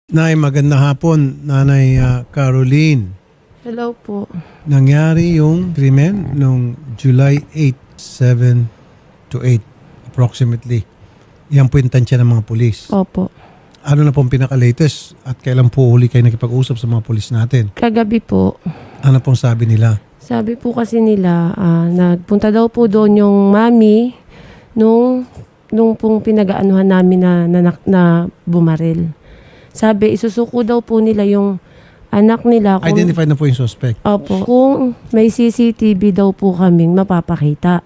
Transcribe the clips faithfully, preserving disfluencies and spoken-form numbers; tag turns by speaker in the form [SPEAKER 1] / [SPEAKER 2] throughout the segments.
[SPEAKER 1] Nay, magandang hapon, Nanay ah, Caroline.
[SPEAKER 2] Hello po.
[SPEAKER 1] Nangyari yung krimen noong July eighth, seven to eight approximately. Yan po yung tansya ng mga pulis.
[SPEAKER 2] Opo.
[SPEAKER 1] Ano na pong pinaka-latest at kailan po huli kayo nakipag-usap sa mga pulis natin?
[SPEAKER 2] Kagabi po,
[SPEAKER 1] Ano pong sabi nila?
[SPEAKER 2] sabi po kasi nila, ah, nagpunta daw po doon yung mami nung, nung pong pinag-aanuhan namin na, na, na bumaril. Sabi, isusuko daw po nila yung anak nila. Kung,
[SPEAKER 1] Identified na po yung suspect.
[SPEAKER 2] Opo. Kung may C C T V daw po kaming mapapakita.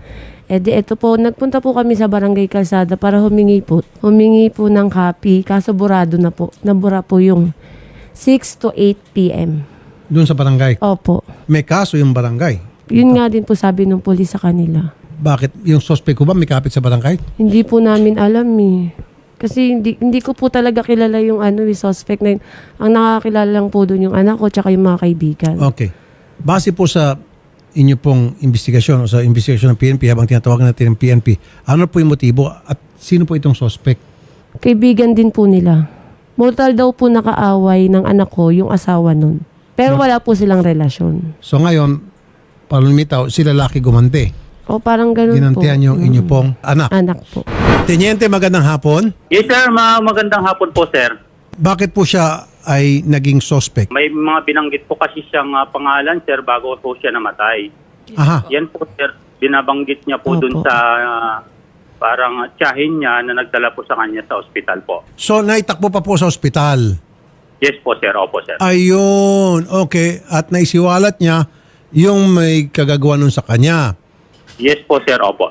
[SPEAKER 2] E di eto po, nagpunta po kami sa Barangay Calzada para humingi po. Humingi po ng copy, kaso burado na po. Nabura po yung six to eight p m
[SPEAKER 1] Doon sa barangay.
[SPEAKER 2] Opo.
[SPEAKER 1] May kaso yung barangay.
[SPEAKER 2] Yun nga din po sabi ng pulis sa kanila.
[SPEAKER 1] Bakit? Yung suspect ko ba may kapit sa barangay?
[SPEAKER 2] Hindi po namin alam eh. Kasi hindi, hindi ko po talaga kilala yung ano, yung suspect na yun. Ang nakakilala lang po doon yung anak ko tsaka yung mga kaibigan.
[SPEAKER 1] Okay. Base po sa inyo pong investigasyon o sa investigasyon ng P N P habang tinatawagan natin ng P N P, ano po yung motibo at sino po itong suspect?
[SPEAKER 2] Kaibigan din po nila. Mortal daw po nakaaway ng anak ko yung asawa nun. Pero wala po silang relasyon.
[SPEAKER 1] So ngayon, palumitaw, si lalaki gumante.
[SPEAKER 2] O parang ganun
[SPEAKER 1] Ginantihan
[SPEAKER 2] po.
[SPEAKER 1] yung inyo pong anak.
[SPEAKER 2] Anak po.
[SPEAKER 1] Teniente, magandang hapon.
[SPEAKER 3] Yes sir, ma magandang hapon po sir.
[SPEAKER 1] Bakit po siya ay naging suspect?
[SPEAKER 3] May mga binanggit po kasi siyang ah, pangalan sir bago po siya namatay.
[SPEAKER 1] Aha.
[SPEAKER 3] Yan po sir, binabanggit niya po
[SPEAKER 2] Opo.
[SPEAKER 3] dun sa ah, parang tiyahin niya na nagdala po sa kanya sa ospital po.
[SPEAKER 1] So naitakbo pa po sa ospital.
[SPEAKER 3] Yes po sir, opo sir.
[SPEAKER 1] Ayun. Okay. At naisiwalat niya yung may kagagawa nun sa kanya.
[SPEAKER 3] Yes po sir, opo.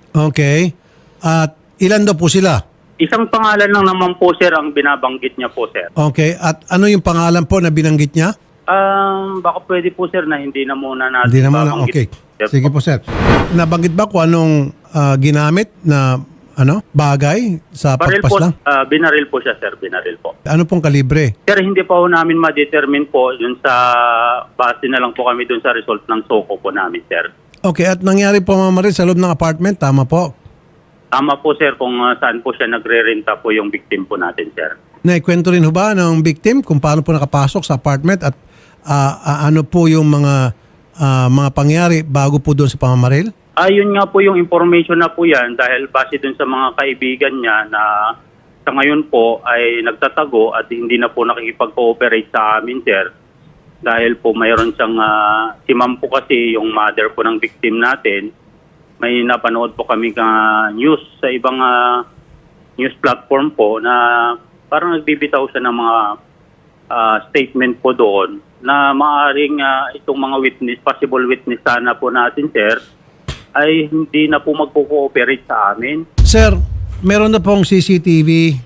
[SPEAKER 1] Okay. At ilan daw po sila?
[SPEAKER 3] Isang pangalan lang naman po sir ang binabanggit niya po sir.
[SPEAKER 1] Okay. At ano yung pangalan po na binanggit niya?
[SPEAKER 3] Um, baka pwede po sir na hindi na muna natin
[SPEAKER 1] Hindi naman na.
[SPEAKER 3] babanggit,
[SPEAKER 1] Okay.
[SPEAKER 3] sir,
[SPEAKER 1] Sige po, sir. Nabanggit ba kung anong ah, ginamit na ano bagay sa
[SPEAKER 3] Baril po,
[SPEAKER 1] pagpaslang?
[SPEAKER 3] ah, binaril po siya sir, binaril po.
[SPEAKER 1] Ano pong kalibre?
[SPEAKER 3] Sir, hindi pa po namin ma-determine po dun sa base na lang po kami dun sa result ng soko po namin, sir.
[SPEAKER 1] Okay. At nangyari po mamaril sa loob ng apartment. Tama po.
[SPEAKER 3] Tama po, sir, kung uh, saan po siya nagre-renta po yung victim po natin, sir.
[SPEAKER 1] Naikwento rin ho ba ng victim kung paano po nakapasok sa apartment at ah, ah, ano po yung mga ah, mga pangyari bago po doon sa pamamaril?
[SPEAKER 3] Ayun nga po yung information na po yan dahil base dun sa mga kaibigan niya na sa ngayon po ay nagtatago at hindi na po nakikipag-cooperate sa amin, sir. Dahil po mayroon siyang, uh, si ma'am po kasi yung mother po ng victim natin, may napanood po kami ka news sa ibang uh, news platform po na parang nagbibitaw siya ng mga uh, statement po doon na maaaring uh, itong mga witness, possible witness sana po natin, sir, ay hindi na po magpo-cooperate sa amin.
[SPEAKER 1] Sir, meron na pong C C T V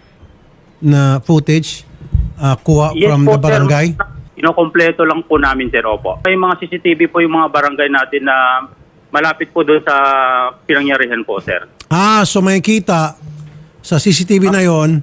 [SPEAKER 1] na footage ah, kuha from the barangay?
[SPEAKER 3] Sir. Inokompleto lang po namin, sir, opo. May mga C C T V po yung mga barangay natin na malapit po doon sa pinangyarihan po, sir.
[SPEAKER 1] Ah, so may kita sa C C T V na yon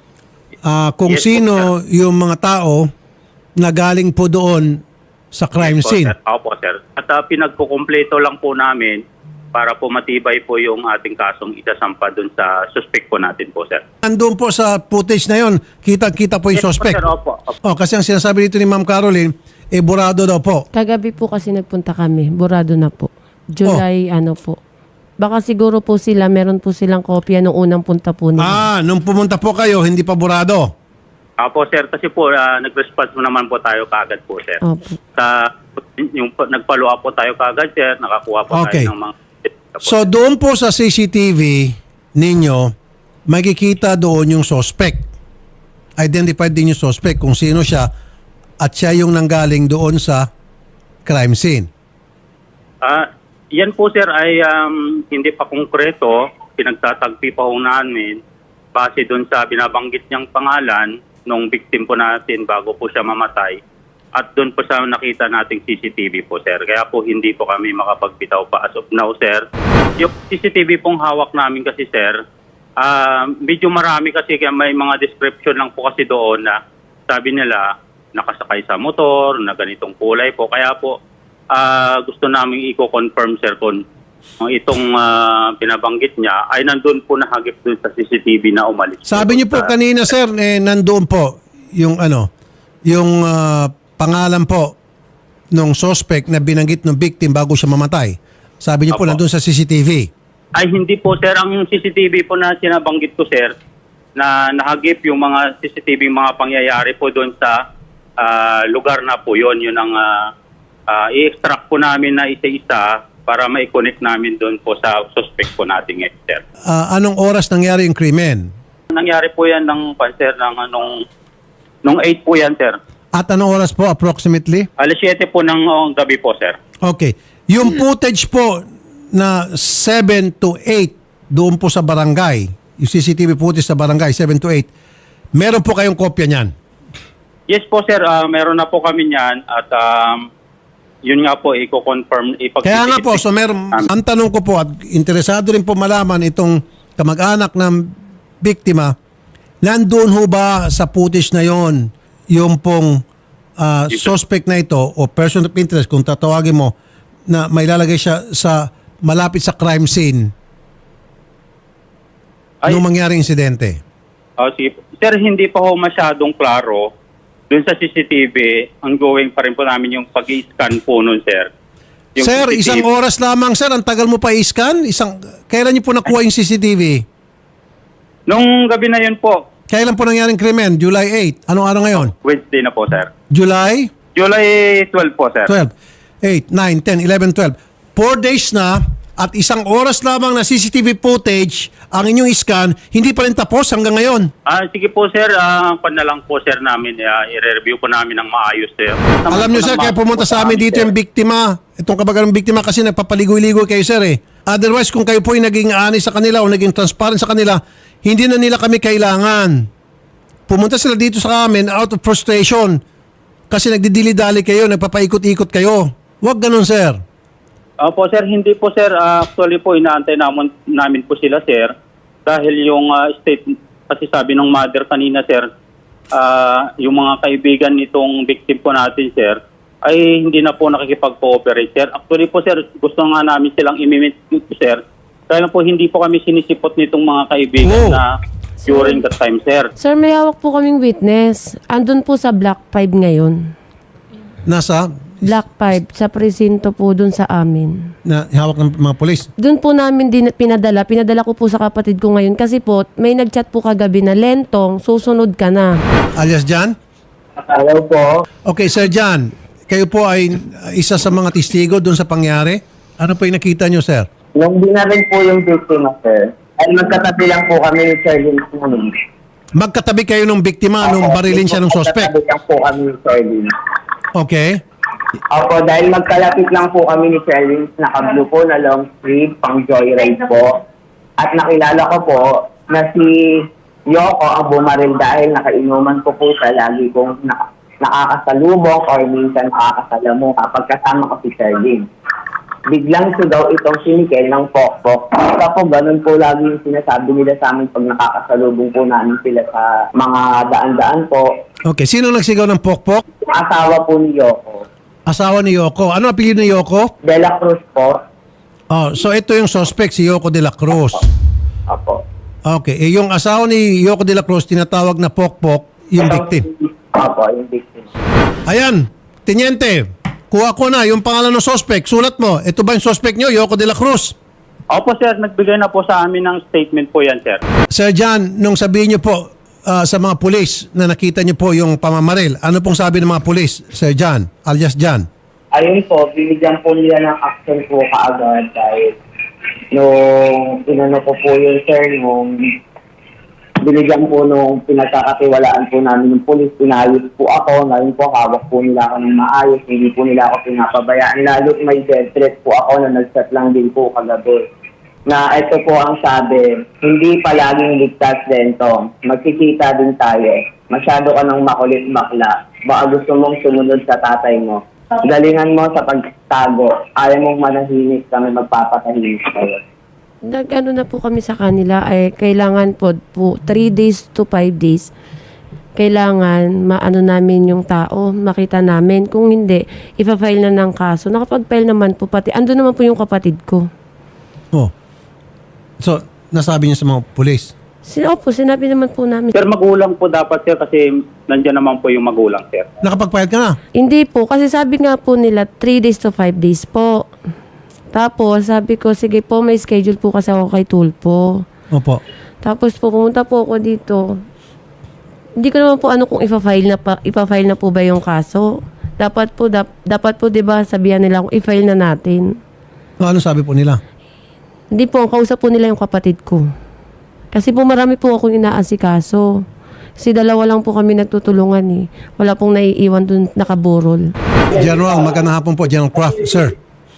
[SPEAKER 1] ah, kung
[SPEAKER 3] Yes po,
[SPEAKER 1] sino yung mga tao na galing po doon sa crime
[SPEAKER 3] Yes po,
[SPEAKER 1] scene.
[SPEAKER 3] sir. Opo, sir. At uh, pinagkukumpleto lang po namin para po matibay po yung ating kasong isasampa doon sa suspect po natin po, sir.
[SPEAKER 1] Nandun po sa footage na yon, kita-kita po yung
[SPEAKER 3] Yes po,
[SPEAKER 1] suspect.
[SPEAKER 3] sir, opo. Opo.
[SPEAKER 1] Oh, kasi ang sinasabi dito ni Ma'am Caroline, eh burado daw po.
[SPEAKER 2] Kagabi po kasi nagpunta kami. Burado na po. July ano po. Baka siguro po sila, meron po silang kopya nung unang punta po nila.
[SPEAKER 1] Ah, nung pumunta po kayo, hindi pa burado.
[SPEAKER 3] Opo, sir, kasi po uh, nag-response mo naman po tayo kaagad po, sir.
[SPEAKER 2] Opo.
[SPEAKER 3] Sa, yung nagpalo up po tayo kaagad, sir, nakakuha po
[SPEAKER 1] Okay.
[SPEAKER 3] tayo ng mga...
[SPEAKER 1] So doon po sa C C T V ninyo, makikita doon yung suspect. Identified din yung suspect kung sino siya at siya yung nanggaling doon sa crime scene.
[SPEAKER 3] Ah, yan po, sir, ay um, hindi pa konkreto. Pinagtatagpi pa ho namin base doon sa binabanggit niyang pangalan nung victim po natin bago po siya mamatay. At doon po sa nakita nating C C T V po, sir. Kaya po hindi po kami makapagbitaw pa as of now, sir. Yung C C T V pong hawak namin kasi, sir, ah, medyo marami kasi kaya may mga description lang po kasi doon na sabi nila nakasakay sa motor, na ganitong kulay po. Kaya po ah, gusto namin i-confirm, sir, kung uh, itong ah, binabanggit niya ay nandun po nahagip doon sa C C T V na umalis.
[SPEAKER 1] Sabi niyo po
[SPEAKER 3] Sa-
[SPEAKER 1] kanina, sir, eh, nandoon po yung ano, yung ah, pangalan po nung suspect na binanggit ng victim bago siya mamatay? Sabi niyo po
[SPEAKER 3] Opo.
[SPEAKER 1] nandun sa C C T V.
[SPEAKER 3] Ay hindi po sir, ang C C T V po na sinabanggit ko sir, na nahagip yung mga C C T V mga pangyayari po doon sa ah, lugar na po yon. Yun ang ah, ah, i-extract po namin na isa-isa para ma-connect namin doon po sa suspect po natin ngayon sir.
[SPEAKER 1] Ah, anong oras nangyari yung krimen?
[SPEAKER 3] Nangyari po yan ng pan sir, ng anong, nung eight po yan sir.
[SPEAKER 1] At anong oras po approximately?
[SPEAKER 3] Alas siyete po ng oh, gabi po sir.
[SPEAKER 1] Okay. Yung footage po na seven to eight doon po sa barangay, yung C C T V footage sa barangay, seven to eight, meron po kayong kopya niyan?
[SPEAKER 3] Yes po sir, ah, meron na po kami niyan at um, yun nga po i-confirm.
[SPEAKER 1] Kaya nga po, so meron, ang tanong ko po at interesado rin po malaman itong kamag-anak ng biktima, nandoon ho ba sa footage na yon yung pong ah, suspect na ito o person of interest kung tatawagin mo na may lalagay siya sa malapit sa crime scene
[SPEAKER 3] Ay.
[SPEAKER 1] nung mangyaring insidente?
[SPEAKER 3] Oh, sige. Sir, hindi pa ho masyadong klaro. Doon sa C C T V, ongoing pa rin po namin yung pag-i-scan po nun, sir. Yung
[SPEAKER 1] Sir,
[SPEAKER 3] C C T V
[SPEAKER 1] isang oras lamang, sir. Ang tagal mo pa i-scan? Isang, kailan niyo po nakuha yung C C T V?
[SPEAKER 3] Nung gabi na yun po,
[SPEAKER 1] Kailan po nangyaring krimen? July eight. Anong araw ngayon?
[SPEAKER 3] Wednesday na po, sir.
[SPEAKER 1] July
[SPEAKER 3] July twelve po, sir.
[SPEAKER 1] twelve. eight, nine, ten, eleven, twelve. Four days na at isang oras lamang na C C T V footage ang inyong scan, hindi pa rin tapos hanggang ngayon.
[SPEAKER 3] Ah, sige po, sir. Ah, pan na lang po, sir, namin. Ah, i-review po namin ng maayos, sir.
[SPEAKER 1] Alam niyo, sir, kaya pumunta sa amin dito yung biktima. Itong kabagang biktima kasi nagpapaligoy-ligoy kayo, sir, eh. Otherwise, kung kayo po ay naging honest sa kanila o naging transparent sa kanila, hindi na nila kami kailangan. Pumunta sila dito sa amin out of frustration kasi nagdidili-dali kayo, nagpapaikot-ikot kayo. Huwag ganun, sir.
[SPEAKER 3] Opo, sir. Hindi po, sir. Ah, actually po, inaantay namin, namin po sila, sir. Dahil yung ah, state, kasi sabi ng mother kanina, sir, ah, yung mga kaibigan nitong victim po natin, sir, ay hindi na po nakikipag-cooperate, sir. Actually po, sir, gusto nga namin silang imimit, sir. Kaya po, hindi po kami sinisipot nitong mga kaibigan
[SPEAKER 1] Oh.
[SPEAKER 3] na during that time, sir.
[SPEAKER 2] Sir, may hawak po kaming witness. Andun po sa Block five ngayon.
[SPEAKER 1] Nasa,
[SPEAKER 2] Block five, sa presinto po dun sa amin.
[SPEAKER 1] na hawak ng mga polis.
[SPEAKER 2] Doon po namin din pinadala. Pinadala ko po sa kapatid ko ngayon kasi po may nagchat po kagabi na Lentong, susunod ka na.
[SPEAKER 1] Alias Jan?
[SPEAKER 4] Hello po.
[SPEAKER 1] Okay, Sir Jan, kayo po ay isa sa mga testigo doon sa pangyari. Ano po yung nakita nyo, sir?
[SPEAKER 4] Nung binaril po yung victim, sir, ay magkatabi lang po kami ni Sir Lin.
[SPEAKER 1] Magkatabi kayo ng biktima nung barilin siya ng suspect.
[SPEAKER 4] Magkatabi lang po kami ni Sir Lin.
[SPEAKER 1] Okay.
[SPEAKER 4] Opo, dahil magkalapit lang po kami ni Sir Lin, naka-blue po na long sleeve, pang joyride po. At nakilala ko po na si Yoko ang bumaril dahil nakainuman ko po siya lagi kong na- nakakasalubong or minsan nakakasalamu kapag kasama ko si Sir Lin. Biglang sugaw itong si Mikel ng pokpok. Basta po, ganun po lagi yung sinasabi nila sa amin pag nakakasalubong po namin sila sa mga daan-daan po.
[SPEAKER 1] Okay, sino nagsigaw ng pokpok?
[SPEAKER 4] Asawa po ni Yoko.
[SPEAKER 1] Asawa ni Yoko. Ano ang apelyido ni Yoko?
[SPEAKER 4] De La Cruz po.
[SPEAKER 1] Oh, so ito yung suspect, si Yoko de la Cruz.
[SPEAKER 4] Apo.
[SPEAKER 1] Okay, eh, yung asawa ni Yoko de la Cruz, tinatawag na pokpok, yung victim.
[SPEAKER 4] Apo, yung victim.
[SPEAKER 1] Ayan, Teniente, kuha ko na yung pangalan ng suspect. Sulat mo, ito ba yung suspect nyo, Yoko de la Cruz?
[SPEAKER 3] Opo, sir. Nagbigay na po sa amin ng statement po yan, sir.
[SPEAKER 1] Sir Jan, nung sabihin nyo po ah, sa mga pulis na nakita nyo po yung pamamaril, ano pong sabi ng mga pulis, Sir Jan, alias Jan?
[SPEAKER 4] Ayun po, binigyan po nila ng action po kaagad dahil nung inano ko po yun, sir, nung binigyan po nung pinagkakatiwalaan po namin ng pulis, pinayos po ako, ngayon po hawak po nila ako ng maayos, hindi po nila ako pinapabayaan, lalo't may death threat po ako na nag-set lang din po kagabi. Na ito po ang sabi, hindi palaging ligtas dento, magkikita din tayo, masyado ka ng makulit bakla, baka gusto mong sumunod sa tatay mo. Galingan mo sa pagtago, ayaw mong manahimik, kami magpapatahimik kayo.
[SPEAKER 2] Nag-ano na po kami sa kanila ay kailangan po, po three days to five days. Kailangan maano namin yung tao, makita namin. Kung hindi, ipa-file na ng kaso. Nakapag-file naman po pati. Ando naman po yung kapatid ko.
[SPEAKER 1] Oh. So, nasabi niyo sa mga pulis?
[SPEAKER 2] Sin Opo, sinabi naman po namin.
[SPEAKER 3] Sir, magulang po dapat sir kasi nandiyan naman po yung magulang sir.
[SPEAKER 1] Nakapagpayad ka na?
[SPEAKER 2] Hindi po, kasi sabi nga po nila three days to five days po. Tapos sabi ko, sige po, may schedule po kasi ako kay Tulpo.
[SPEAKER 1] Opo.
[SPEAKER 2] Tapos po, pumunta po ako dito. Hindi ko naman po ano kung ipa-file na, pa, ipa-file na po ba yung kaso. Dapat po, dap, dapat po, di ba, sabihan nila kung i-file na natin.
[SPEAKER 1] No, ano sabi po nila?
[SPEAKER 2] Hindi po, ang kausap po nila yung kapatid ko. Kasi po marami po akong inaasikaso. Kasi dalawa lang po kami nagtutulungan eh. Wala pong naiiwan dun nakaburol.
[SPEAKER 1] General, magandang hapon po, General Kraft. Sir.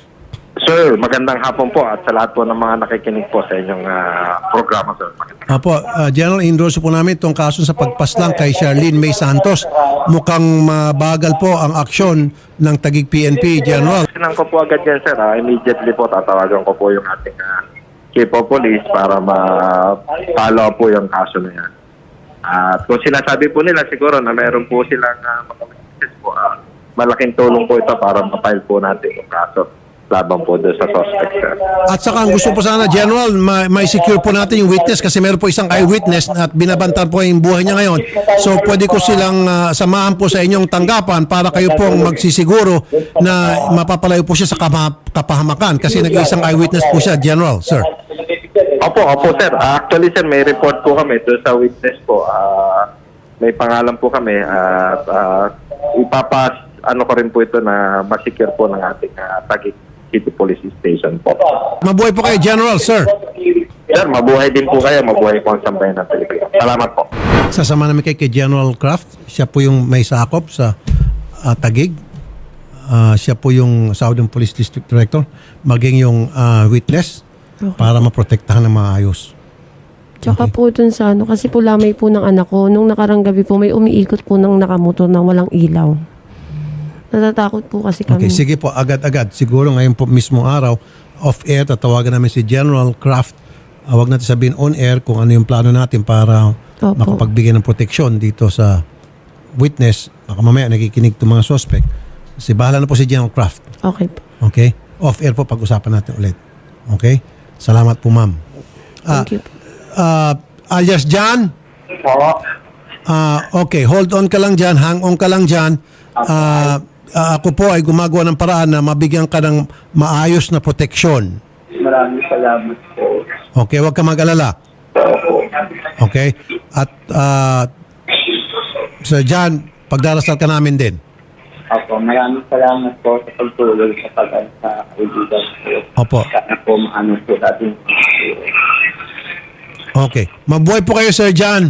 [SPEAKER 5] Sir, magandang hapon po at sa lahat po ng mga nakikinig po sa inyong ah, programa, sir.
[SPEAKER 1] Opo, uh, General, endorse po namin itong kaso sa pagpaslang kay Charlene May Santos. Mukhang mabagal po ang aksyon ng Taguig P N P, General.
[SPEAKER 5] Sinang ko po agad yan, sir. Ah, immediately po tatawagan ko po yung ating ah, chief of police para ma-follow po yung kaso na yan. At kung sinasabi po nila siguro na meron po silang uh, makamakikis po, ah, malaking tulong po ito para ma-file po natin yung kaso laban po doon sa suspect, sir.
[SPEAKER 1] At saka ang gusto po sana, General, ma- may secure po natin yung witness kasi meron po isang eyewitness at binabantan po yung buhay niya ngayon. So pwede ko silang ah, samahan po sa inyong tanggapan para kayo pong magsisiguro na mapapalayo po siya sa kama- kapahamakan kasi nag-iisang eyewitness po siya, General, sir.
[SPEAKER 5] Opo, opo, sir. Ah, actually, sir, may report po kami doon sa witness po. Ah, may pangalan po kami at ah, ipapas ano ko rin po ito na masecure po ng ating uh, Taguig City Police Station po.
[SPEAKER 1] Mabuhay po kayo, General, sir.
[SPEAKER 5] Sir, mabuhay din po kayo. Mabuhay po ang sambayan ng Pilipinas. Salamat po.
[SPEAKER 1] Sasama namin kay, kay General Kraft. Siya po yung may sakop sa ah, Taguig. Ah, siya po yung Southern Police District Director. Maging yung ah, witness para maprotektahan ng maayos.
[SPEAKER 2] Tsaka po dun sa ano, kasi po lamay po ng anak ko, nung nakarang gabi po may umiikot po ng nakamotor na walang ilaw. Natatakot po kasi kami.
[SPEAKER 1] Okay, sige po, agad-agad. Siguro ngayon po mismo araw, off-air, tatawagan namin si General Kraft. Uh, wag natin sabihin on-air kung ano yung plano natin para
[SPEAKER 2] Opo.
[SPEAKER 1] makapagbigay ng proteksyon dito sa witness. Baka mamaya nakikinig itong mga suspect. Kasi bahala na po si General Kraft.
[SPEAKER 2] Okay po.
[SPEAKER 1] Okay? Off-air po, pag-usapan natin ulit. Okay? Salamat po, ma'am. Ah,
[SPEAKER 2] Thank you po.
[SPEAKER 1] ah, alias John? Ah, okay, hold on ka lang dyan, hang on ka lang dyan. Ah, ah, ako po ay gumagawa ng paraan na mabigyan ka ng maayos na proteksyon.
[SPEAKER 4] Maraming salamat po.
[SPEAKER 1] Okay, huwag ka mag-alala. Okay? At uh, Sir John, pagdarasal ka namin din.
[SPEAKER 4] Opo, maraming salamat po sa pagtulong sa pag sa kaibigan po.
[SPEAKER 1] Opo.
[SPEAKER 4] Sana po maano po natin.
[SPEAKER 1] Okay. Mabuhay po kayo, Sir John.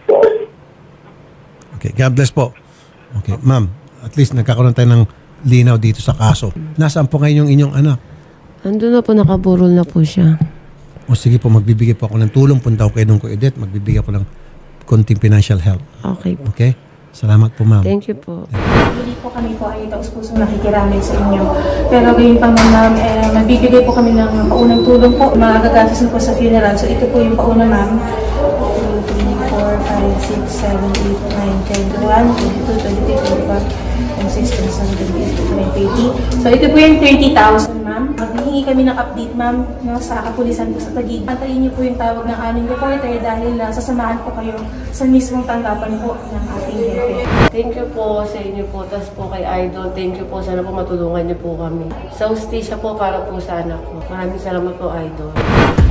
[SPEAKER 1] Okay, God bless po. Okay, ma'am, at least nagkakaroon tayo ng linaw dito sa kaso. Nasaan po ngayon yung inyong anak?
[SPEAKER 2] Andun na po, nakaburol na po siya.
[SPEAKER 1] O sige po, magbibigay po ako ng tulong. Punta ko kay Dong ko Edith. Magbibigay ako ng konting financial help.
[SPEAKER 2] Okay po.
[SPEAKER 1] Okay? Salamat po, ma'am.
[SPEAKER 2] Thank you po.
[SPEAKER 6] Hindi po kami po ay taus-pusong nakikiramay sa inyo. Pero gayon pa man ma'am, eh, magbibigay po kami ng paunang tulong po. Magagagastos na po sa funeral. So ito po yung pauna ma'am. two, three, four, five, six, seven, eight, nine, ten, eleven, twenty-two, twenty-three, twenty-four, twenty-six, twenty-seven, twenty-eight, twenty-nine, thirty. So ito po yung thirty thousand ma'am. Maghihingi kami ng update ma'am no, sa kapulisan po sa Taguig. Antayin niyo po yung tawag ng aming reporter dahil uh, sasamahan po kayo sa mismong tanggapan po ng ating hepe.
[SPEAKER 2] Thank you po sa inyo po. Tapos po kay Idol, thank you po. Sana po matulungan niyo po kami. Sa hustisya po para po sa anak ko. Maraming salamat po, Idol.